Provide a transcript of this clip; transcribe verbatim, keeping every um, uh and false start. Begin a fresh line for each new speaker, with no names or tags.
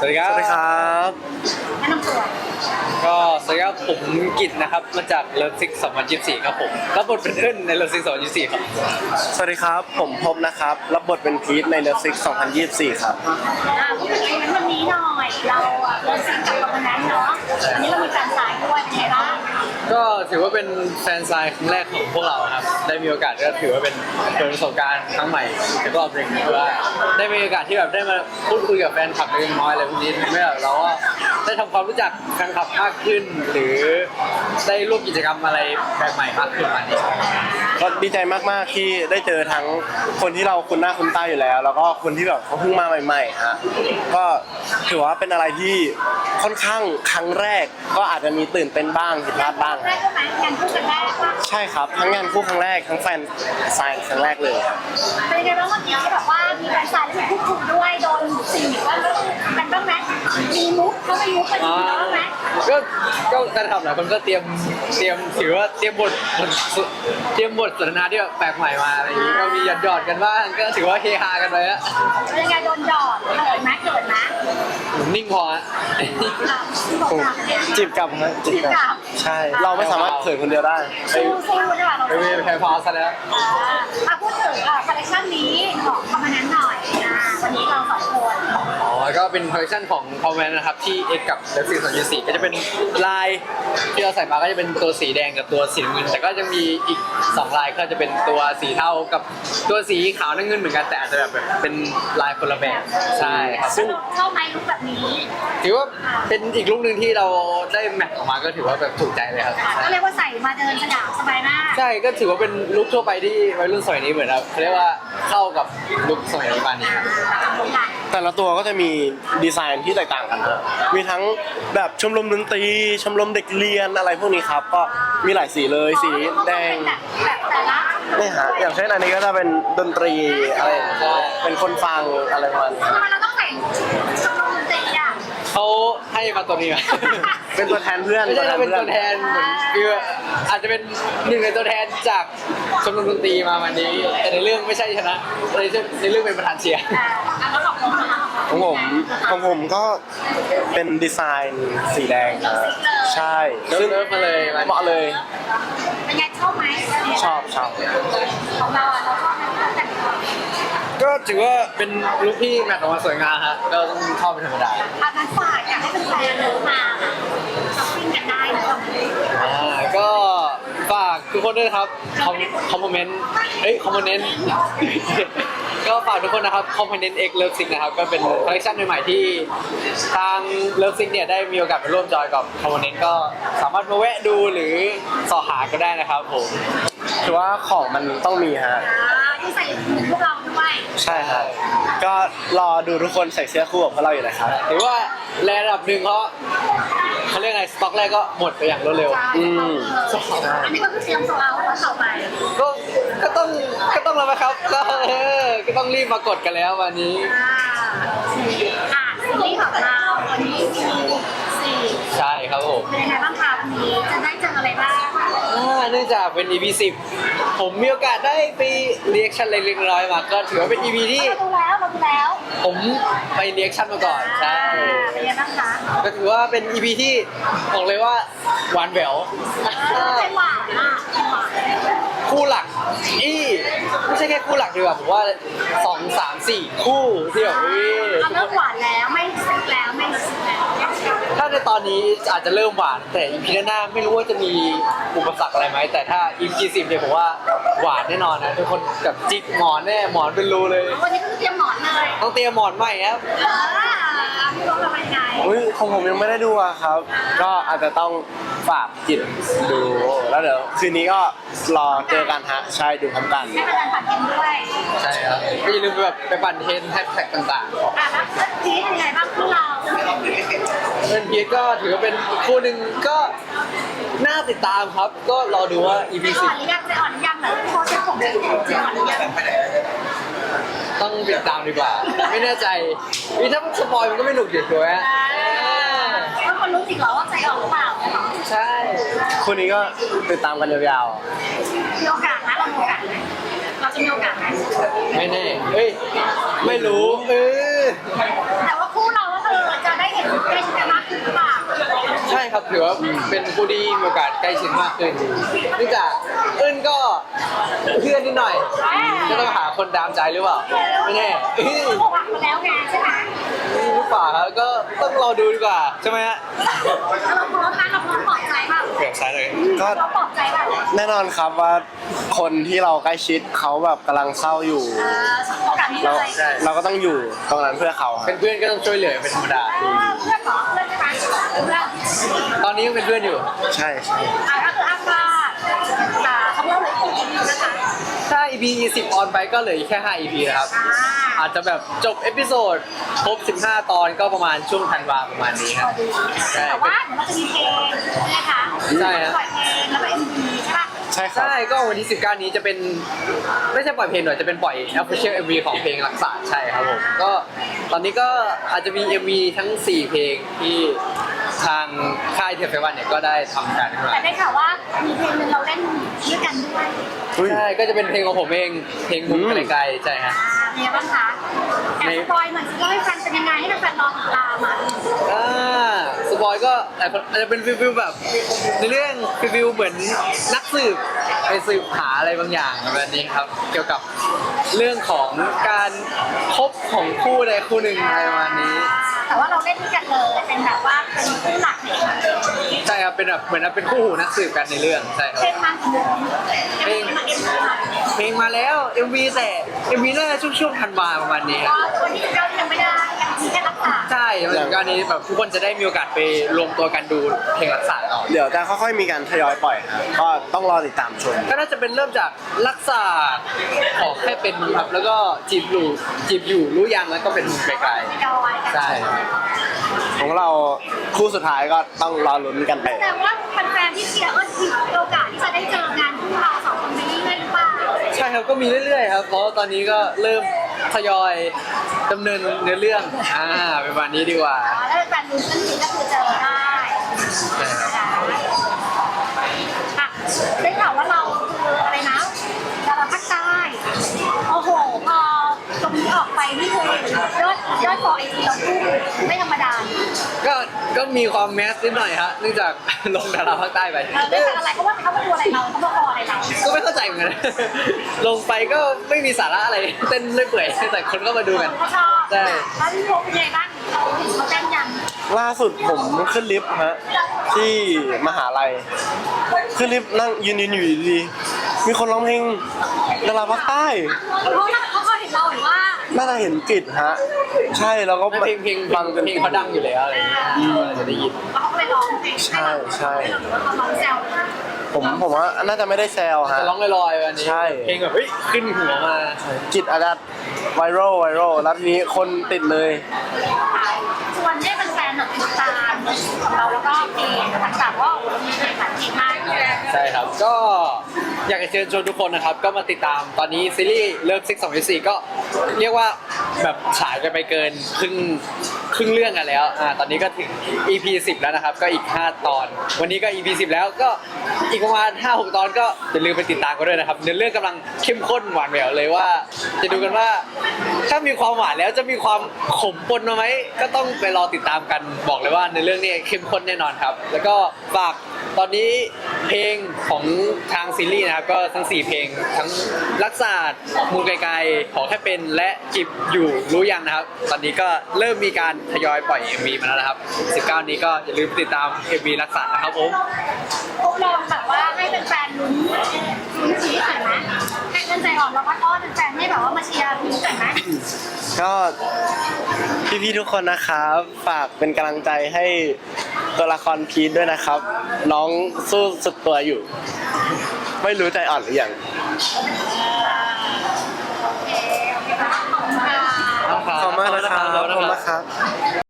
วัสดีครับ
สวัสดีครับ
แนะนำตัว
ก็สวัสดีครับผมกิตนะครับมาจากเลิฟซิกสองพันยี่สิบสี่ครับผมรับบทเป็นเอิ้นในเลิฟซิกสองพันยี่สิบสี่ครับ
สวัสดีครับผมพบนะครับรับบทเป็นพีทในเลิฟซิกสองพันยี่สิบสี่ครับ
อ่าพูดถึงอีเวนต์วันนี้หน่อย เราเลิฟซิงกับคอมเมนต์เนาะวันนี้เรามีแฟนสายด้วยเป็นไงบ้าง
ก็ถือว่าเป็นแฟนไซน์ครั้งแรกของพวกเราครับได้มีโอกาสก็ถือว่าเป็นเปิดประสบการณ์ครั้งใหม่ในรอบหนึ่งเพราะว่าได้มีโอกาสที่แบบได้มาพูดคุยกับแฟนคลับเล็กน้อยอะไรพวกนี้ทำให้เราก็ได้ทำความรู้จักแฟนคลับมากขึ้นหรือได้ร่วมกิจกรรมอะไรแปลกใหม่มากขึ้นมานี้
ก็ดีใจมากๆที่ได้เจอทั้งคนที่เราคุ้นหน้าคุ้นตาอยู่แล้ว แล้วก็คนที่แบบเขาเพิ่งมาใหม่ๆฮะก็ถือว่าเป็นอะไรที่ค่อนข้างครั้งแรกก็อาจจะมีตื่นเต้นบ้างผิดพลาดบ้าง
แรกก็ไหมงานคู่กันแรกว่า
ใช่ครับทั้งงานคู่ครั้งแรกทั้งแฟนไซน์ครั้งแรกเลย
เป็นยังไงบ้างวันนี้แบบว่ามีแฟนสายแล้วมีคู่คุยด้วยโดนสิ่งหรือว่ามันบ้างไหมมีมุกเขาไปมุกกันบ้างไหม
ก็ก็การทำหลายคนก็เตรียมเตรียมถือว่าเตรียมบทเตรียมบทสนทนาที่แบบแปลกใหม่มาอะไรอย่างนี้ก็มีหยอดหยอดกันบ้างก็ถือว่าเฮฮากันไปอะ
เป็นยังไงโดนหยอดเกิดไหมเกิดไหม
นิ่งพอฮะ
จีบกลับฮะจีบกลับใช่เราไม่สามารถเขินคนเดียวได้
สู้สู้ใช่ป่ะเรา
ไม่ไม่แพ้พอซะแล้ว
อ่าพูดถึงคอลเลคชันนี้ของคอมเมนต์หน่อยอ่าวันนี้เราสองคน
อ๋อก็เป็นคอลเลคชันของคอมเมนต์นะครับที่เอ็กกับเลิฟซิกสองพันยี่สิบสี่ก็จะเป็นลายที่เราใส่มาก็จะเป็นตัวสีแดงกับตัวสีน้ำเงินแต่ก็จะมีอีกสองลายก็จะเป็นตัวสีเทากับตัวสีขาวน้ำเงินเหมือนกันแต่อาจจะแบบเป็นลายคนละแบบใช่ครับ
ซึ่งเข้าไหมลุคแบบนี้
ถือว่าเป็นอีกลุคนึงที่เราได้แมทออกมาก็ถือว่าแบบถูกใจเลยครับ
ก็เรียกว่าใส่มาเดินสนามสบายมาก
ใช่ก็ถือว่าเป็นลุคทั่วไปที่วัยรุ่นสมัยนี้เหมือนครับเขาเรียกว่าเข้ากับลุคสมัยประมาณนี้ครับ
แต่ละตัวก็จะมีดีไซน์ที่แตกต่างกันนะมีทั้งแบบชมรมดนตรีชมรมเด็กเรียนอะไรพวกนี้ครับก็มีหลายสีเลยสีแดงนี่ฮะอย่างเช่นอันนี้ก็จะเป็นดนตรีอะไรเป็นคนฟังอะไรประมาณนี้
ทำไมเราต้องแต่งชมรมดนตรีอ่ะ
เขาให้มาตัวนี้มา
เป็นตัวแทนเพื่อน
ไม่ใช่เป็นตัวแทนเหมือนคืออาจจะเป็นหนึ่งในตัวแทนจากชมรมดนตรีมาวันนี้แต่ในเรื่องไม่ใช่ชนะในในเรื่องเป็นประธานเชียร์
ของผมของผมก็เป็นดีไซน์สีแดงใช่
ซึ่งมาเลย
เหมาะเลย
เป็นไงชอบไหม
ชอบชอบ
ของเราอ่ะเราชอบไหมแต่ง
ก็ถือว่าเป็นลุคที่แมทออกมาสวยงามฮะก็ต้องชอบเป็นธรรมดา
อาการฝากอยากให้เป็นแฟนเดินมาช้อปปิ้งกันได้นะครับ
อ่าก็ฝากทุกคนด้วยครับคอมคอมเมนต์เอ้ยคอมเมนต์ก็ฝากทุกคนนะครับคอมเมนต์เอ็กเลิฟซิกนะครับก็เป็นคอลเลคชันใหม่ๆที่ทางเลิฟซิกเนี่ยได้มีโอกาสไปร่วมจอยกับคอมเมนต์ก็สามารถมาแวะดูหรือสอหาก็ได้นะครับผม
ถือว่าของมันต้องมีฮะ
ที่ใส่พวกเราด้วย
ใช่ครับก็รอดูทุกคนใส่เสื้อคู่กับพวกเราอยู่นะครับ
หรือว่าแลนด์ระดับหนึ่งเขาเขาเรียกไงสต็อกแรกก็หมดไปอย่างรวดเร็ว
อืม
อันนี้ก็คือเตรียมโซลเอาท์แล้วต่อไป
ก็ก็ต้องก็ต้องแล้วครับก็เออก็ต้องรีบมากดกันแล้ววันนี้
อ่าอ่าซีรีส์ของเราวันนี้มีสี่
ใช่ครับผม
เป็นยังไงบ้างคะวันนี้จะได้เจออะไรบ้าง
เนื่องจากเป็น อี พี สิบผมมีโอกาสได้ไปเรียกชั่นเล็กๆน้อยๆมาก็ถือว่าเป็น อี พี ที่
เราดูแล้วเราดูแล้ว
ผมไปเรียกชั่นมาก่อนใช่
เป็นยังไงบ้างคะ
ก็ถือว่าเป็น อี พี ที่บอกเลยว่าหวานแหวว
เป็นหวานอ่ะเป็นหวาน
คู่หลักอีไม่ใช่แค่คู่หลักดีกว่าผมว่าสองสามสี่คู่ที่แบบเ
ราเริ่มหวานแล้วไม่ซึ้งแล้วไม่รู้สึกแล้ว
ถ้าในตอนนี้อาจจะเริ่มหวานแต่ อี พี หน้าไม่รู้ว่าจะมีอุปสรรคอะไรไหมแต่ถ้า อี พี สิบเนี่ยผมว่าหวานแน่นอนนะทุกคนกับจิกหมอนแน่หมอนเป็นรูเลย
วันนี้ก็เตรียมหมอนเลย
ต้องเตรียมหมอนใหม่ครับ
พี่รู้ทำยังไง
อุ้ยของผมยังไม่ได้ดูอะครับก็อาจจะต้องฝากจิตดูแล้วเดี๋ยวคืนนี้ก็รอเจอกันฮะใช่ดูพร้อมกัน
ให้เป็นการปั่นเทนด้วย
ใช่ครับก็อย่าลืมแบบไปปั่นเทนแฮชแท็กต่างๆ
อ่ะแล้วพีทยังไงบ้างพวกเรา
เป็นพีทก็ถือว่าเป็นคู่หนึ่งก็น่าติดตามครับก็รอดูว่า อี พี สิบ
อ่อนหรือยังจะอ่อนยังเหรอโค้ชผมจะอ่อนหรือยัง
ต้องติดตามดีกว่าไม่แน่ใจนี่ถ้าสปอยมันก็ไม่หนุกเด็ดตัวฮะ
แล้วคนรู้จริงเหรอว่าใจอ่อนหรือเปล่า
ใช่
คู่นี้ก็ติดตามกันยาว
ๆมีโอกาสนะเรามีโอกาสไหมเราจะมีโอกาสไหม
ไม่แน่เฮ้ยไม่รู้เออ
แต่ว่าคู่เราก็คือจะได้
ถือว่าเป็นผู้ที่มีโอกาสใกล้ชิดมากขึ้นเนื่องจากเอิ้นก็เพื่อนนิดหน่อยก็ต้องหาคนดามใจหรือเปล่าไม่แน่เอ้ย
เขาบอกมาแล้วไงใช่ไหม
หรือเปล่าครับก็ต้องรอดูดีกว่าใช่ไหมฮะ
เราพร้อมนะเราพร้อมปลอบใจเปล่า
เกือบซ้ายเลย
ก็
เราปลอบใจเปล่า
แน่นอนครับว่าคนที่เราใกล้ชิดเขาแบบกำลังเศร้าอยู่
เออโอกาสนี้
เรา
เลย
เราก็ต้องอยู่ตรงนั้นเพื่อเขาค
เป็
รับ
นเพื่อนก็ต้องช่วยเหลือเป็นธรรมดา
เออเพื่อนเหรอเพื่อนใช่ไหมเพื่อน
ตอนนี้ยังเป็นเพื่อนอยู่
ใช่ใช่
อ่ะก็คืออัพว่าอ่าเขาเล่าเลยอีกนะคะ
ถ้า อี พี สิบออนไปก็เหลืออีกแค่ห้า อี พี นะครับ
อ่า
อาจจะแบบจบเอพิโซดครบสิบห้าตอนก็ประมาณช่วงธันวาประมาณนี้ครับ ใช่
แต่ว่าเดี๋ยวเราจะมีเพลงนะคะ
ใช่ฮะ
ปล่อยเพลงแล้วก็ เอ็ม วี ใช่ป่ะ
ใช่ครับ
ใช่ก็วันที่สิบเก้านี้จะเป็นไม่ใช่ปล่อยเพลงหน่อยจะเป็นปล่อย Official เอ็ม วี ของเพลงรักษาใช่ครับผมก็ตอนนี้ก็อาจจะมี เอ็ม วี ทั้งสี่เพลงที่ทางค่ายเทปเฟวันเนี่ยก็ได้ทำการขึ้นมา
แต่ได้ข่าวว่ามีเพลงหนึงเราเล่นด้วยกันด้วย
อุ้ย
ใช่ก็จะเป็นเพลงของผมเองเพลงมุม
อืม
ไกลๆใช่ฮะ
อ่าเป็นยังไงบ้างคะแอบสปอยหน่อยสิเล่าให้ฟังเป็นยังไงให้แฟนๆรอติดตามอ่ะ
อ่าสปอยก็อาจจะเป็นฟิลๆแบบในเรื่องฟิลๆเหมือนนักสืบไปสืบหาอะไรบางอย่างแบบนี้ครับ เกี่ยวกับเรื่องของการคบของคู่ใดคู่หนึ่งอะไรประมาณนี้
แต่ว่าเราเล่นด้วยกันเลยเป็นแบบว่าเป็นคู่หลักในเรื่อง
ใช่ครับเป็นแบบเหมือนเป็นคู่หูนักสืบกันในเรื่องใช่ครับ
เพลงมากี่โมงเพลงมาเอ็มวีมา
เพลงมาแล้ว เอ็ม วี แต่ เอ็ม วี น่าจะช่วงช่วงธันวาประมาณนี้ค
ก็
รับ
คนที่เรายังไม่ได้ยังมีแค่รักษา
ใช่มันถึงการนี้แบบทุกคนจะได้มีโอกาสไปรวมตัวกันดูเพลงรักษาต่อ
เดี๋ยวจะค่อยๆมีการทยอยปล่อยครับก็ต้องรอติดตามชม
ก็น่าจะเป็นเริ่มจากรักษาขอแค่เป็นมึงครับแล้วก็จีบอยู่จีบอยู่รู้ยังแล้วก็เป็นมึงไกล
ดอย
ๆใช่
ของเราคู่สุดท้ายก็ต้องรอลุ้นกันไป
แต่ว่าแฟนๆที่เชียร์ก็มีโอกาสที่จะได้เจองานคู่เราสองคนไปเรื่อยๆหรือเปล่า
ใช่ครับก็มีเรื่อยๆครับเพราะตอนนี้ก็เริ่มทยอยดำเนินเนื้อเรื่องอ่าเป็นวันนี้ดีกว่า
อ๋อแล้วแฟนลุ้นกันทีก็คือเจอได้
ใช่ครับ
อ่ะได้ข่าวว่าเราคืออะไรนะดาราภาคใต้โอ้โหพอตรงนี้ออกไปนี่คือยอดยอดฟอไอจีเราพุ่งไม่ธรรมดา
ก็ก็มีความแมสนิดหน่อยฮะเนื่องจาก ลงดาราภาคใต้ไป
เออไม่ทำอะไรเพราะว่าเขามาดูอะไรเราเขามาคออะไรเรา
ก็ไม่เข้าใจเหมือนกัน ลงไปก็ไม่มีสาระอะไรเต้นเรื่อยเปื่อยแต่คนก็มาดูกัน
เขาชอบ
ใช่
แล้วพี่โพเป็นยังไงบ้างเขาเห็นเขาเต้นยัง
ล่าสุดผมขึ้นลิฟต์ฮะที่มหาลัยขึ้นลิฟต์นั่งยืนยืนอยู่ดีๆมีคนร้องเพลงดาราภาคใต้
เขาเขาเขาเห็นเราหรือว่า
น่าจะเห็นกิจฮะ ใช่แล้วก็
เพลงเพลง
ฟังจน
เพลงเขาดังอยู่แล้วอะไรอย่างเงี้ยเราจะได้ยิน
แล้วเขาก็ไปร้องเพลง
ใช่ใช่
หรือว่าเขาร้องแซว
ผมผมว่าน่าจะไม่ได้แซวฮะ
จะร้องลอยๆวันนี้
ใช่
เพลงแบบเฮ้ยขึ้นหัวมา
กิจอาจจะไวรัลไวรัลแล้วทีนี้คนติดเลย
ชวนให้แฟนๆแบบติดตามของเราแล้วก็เพลงต่างๆว่ามีเพลงหลายเพลงมาก
ใช่ครับก็อยากจะเชิญชวนทุกคนนะครับ ก็มาติดตามตอนนี้ซีรีส์เลิฟซิกสองพันสี่ก็เรียกว่าแบบฉายกันไปเกินครึ่งครึ่งเรื่องกันแล้วอ่าตอนนี้ก็ถึง อี พี สิบแล้วนะครับ ก็อีกห้าตอน วันนี้ก็ อี พี สิบแล้วก็อีกประมาณ ห้าหก ตอนก็อย่าลืมไปติดตามกันด้วยนะครับเนื้อเรื่องกำลังเข้มข้นหวานแหววเลยว่า จะดูกันว่า ถ้ามีความหวานแล้วจะมีความขมปนมาไหมก็ต้องไปรอติดตามกันบอกเลยว่าในเรื่องนี้เข้มข้นแน่นอนครับ แล้วก็ฝากตอนนี้เพลงของทางซีรีส์นะครับก็ทั้งสี่เพลงทั้งรักษามูลไกลๆขอแค่เป็นและจิบอยู่รู้ยังนะครับ ตอนนี้ก็เริ่มมีการทยอยปล่อย เอ็ม วี มาแล้วนะครับสิบเก้านี้ก็อย่าลืมติดตาม เอ็ม วี รักษานะครับผม
พวกเราแบบว่าให้แฟนๆลุ้นลุ้นชีวิตหน่อยไหมให้เงินใจอ่อนเราพัดอ้อนแฟนๆให้แบบว่ามาเชียร์พีชหน่อยไหม
ก็พี่ๆทุกคนนะครับ ฝากเป็นกำลังใจให้ตัวละครพีทด้วยนะครับ น้องสู้สุดตัวอยู่ ไม่รู้ใจอ่อนหรือยัง
โอเคโอเคค่ะขอบคุณค่ะ
ขอบคุณมากนะครับขอบคุณมากครับ